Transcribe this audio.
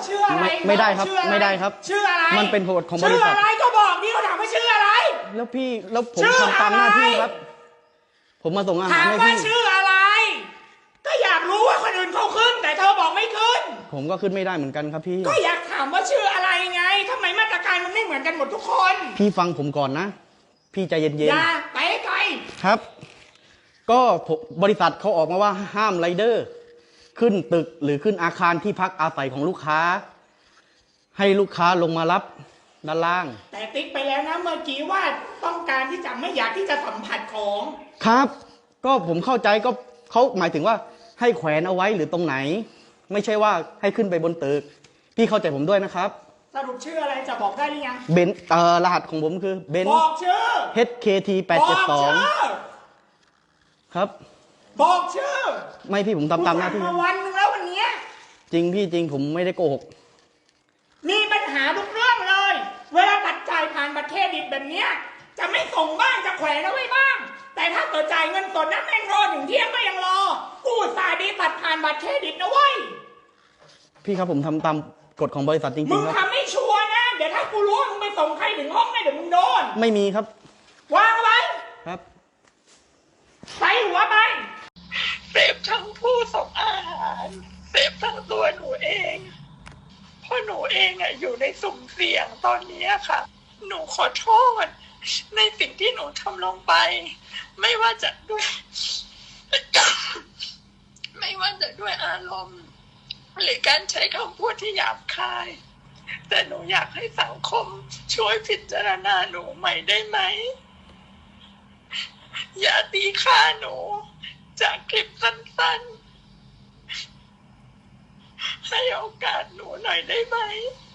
ชื่ออะไรไม่ได้ครับไม่ได้ครับชื่ออะไรมันเป็นกฎของบริษัทชื่ออะไรก็บอกดิเขาถามว่าชื่ออะไรแล้วผมทำตามหน้าที่ครับผมมาส่งอาหารให้พี่ถามว่าชื่ออะไรก็อยากรู้ว่าคนอื่นเขาขึ้นแต่เธอบอกไม่ขึ้นผมก็ขึ้นไม่ได้เหมือนกันครับพี่ก็อยากถามว่าชื่ออะไรไงทำไมมาตรการมันไม่เหมือนกันหมดทุกคนพี่ฟังผมก่อนนะพี่ใจเย็นๆอย่าไปไกลครับก็บริษัทเขาออกมาว่าห้ามไรเดอร์ขึ้นตึกหรือขึ้นอาคารที่พักอาศัยของลูกค้าให้ลูกค้าลงมารับด้านล่างแต่ติ๊กไปแล้วนะเมื่อกี้ว่าต้องการที่จะไม่อยากที่จะสัมผัสของครับก็ผมเข้าใจก็เขาหมายถึงว่าให้แขวนเอาไว้หรือตรงไหนไม่ใช่ว่าให้ขึ้นไปบนตึกพี่เข้าใจผมด้วยนะครับสรุปชื่ออะไรจะบอกได้หรือยังเบนรหัสของผมคือเบนบอกชื่อ HKT 872ครับบอกชื่อไม่พี่ผมทำตามหน้าที่มาวันนึงแล้ววันนี้จริงพี่จริงผมไม่ได้โกหกมีปัญหาทุกเรื่องเลยเวลาบัตรจ่ายผ่านบัตรเครดิตแบบนี้จะไม่ส่งบ้างจะแขวนเอาไว้บ้างแต่ถ้าเกิดจ่ายเงินสดนะแม่งรอถึงเที่ยงก็ยังรอกูสายดีบัตรผ่านบัตรเครดิตนะเว้ยพี่ครับผมทำตามกฎของบริษัทจริงๆครับมึงทำไม่ชัวร์นะเดี๋ยวถ้ากูรู้มึงไปส่งใครถึงห้องได้เดี๋ยวมึงโดนไม่มีครับวางไว้ครับใส่หัวไปเสพทั้งผู้ส่งอาหารเสพทั้งตัวหนูเองเพราะหนูเองอยู่ในสุ่มเสี่ยงตอนนี้ค่ะหนูขอโทษในสิ่งที่หนูทำลงไปไม่ว่าจะด้วย ไม่ว่าจะด้วยอารมณ์หรือการใช้คำพูดที่หยาบคายแต่หนูอยากให้สังคมช่วยพิจารณาหนูใหม่ได้ไหมอย่าตีค่าหนูจากคลิปสั้นๆให้โอกาสหนูหน่อยได้ไหม